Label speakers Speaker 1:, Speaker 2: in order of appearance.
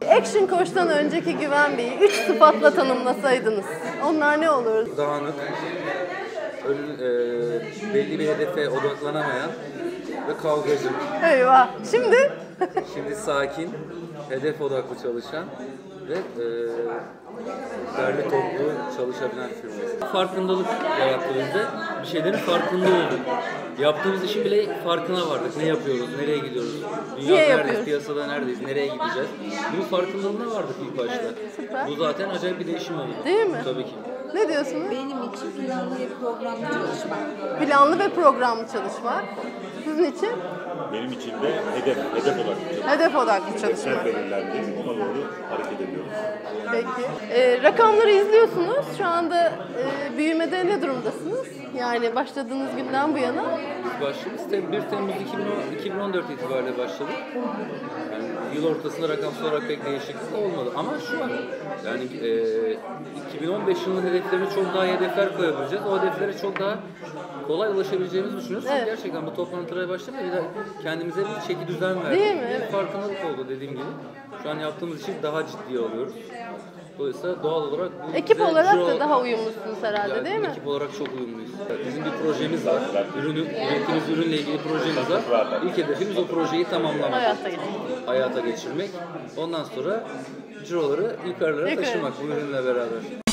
Speaker 1: Action Koç'tan önceki Güven Bey'i 3 sıfatla tanımlasaydınız, onlar ne olur?
Speaker 2: Dağınık, belli bir hedefe odaklanamayan ve kavgacı.
Speaker 1: Eyvah. Şimdi?
Speaker 2: Şimdi sakin, hedef odaklı çalışan ve derli toplu çalışabilen firmayız. Farkındalık yarattı bizde. Bir şeylerin farkında olduk. Yaptığımız işin bile farkına vardık. Ne yapıyoruz, nereye gidiyoruz, dünya neredeyiz, piyasada neredeyiz, nereye gideceğiz. Bunun farkındalığına vardık ilk başta.
Speaker 1: Evet, süper.
Speaker 2: Bu zaten acayip bir değişim oldu.
Speaker 1: Değil mi?
Speaker 2: Tabii ki.
Speaker 1: Ne diyorsunuz?
Speaker 3: Benim için planlı ve programlı çalışmak.
Speaker 1: Planlı ve programlı çalışmak. Sizin için?
Speaker 4: Benim için de hedef odaklı çalışmak.
Speaker 1: Hedef odaklı
Speaker 4: Hedefler
Speaker 1: çalışmak.
Speaker 4: belirlendi, ona doğru hareket ediyoruz.
Speaker 1: Peki. Rakamları izliyorsunuz. Şu anda büyümede ne durumdasınız? Yani başladığınız günden bu yana.
Speaker 2: Başladık. 1 Temmuz 2014 itibariyle başladık. Yani yıl ortasında rakamsal olarak pek değişiklik olmadı. Ama şu an yani 2015 yılının hedeflerine çok daha iyi hedefler koyabileceğiz. O hedeflere çok daha kolay ulaşabileceğimizi düşünüyoruz.
Speaker 1: Evet.
Speaker 2: Gerçekten bu toplantılara başlamaya bir de kendimize bir çeki düzen verdik.
Speaker 1: Değil mi?
Speaker 2: Bir
Speaker 1: Evet.
Speaker 2: farkındalık oldu dediğim gibi. Şu an yaptığımız işi daha ciddiye alıyoruz. Dolayısıyla doğal olarak bu
Speaker 1: Ekip
Speaker 2: bize
Speaker 1: olarak
Speaker 2: ciro-
Speaker 1: da daha uyumlusunuz herhalde,
Speaker 2: yani
Speaker 1: değil mi?
Speaker 2: ekip olarak çok uyumluyuz. Bizim bir projemiz var. Ürettiğimiz ürünle ilgili projemiz var. İlk hedefimiz o projeyi tamamlamak.
Speaker 1: Hayata geçirmek.
Speaker 2: Hayata geçirmek. Ondan sonra ciroları yukarılara
Speaker 1: Yukarı.
Speaker 2: taşımak bu ürünle beraber.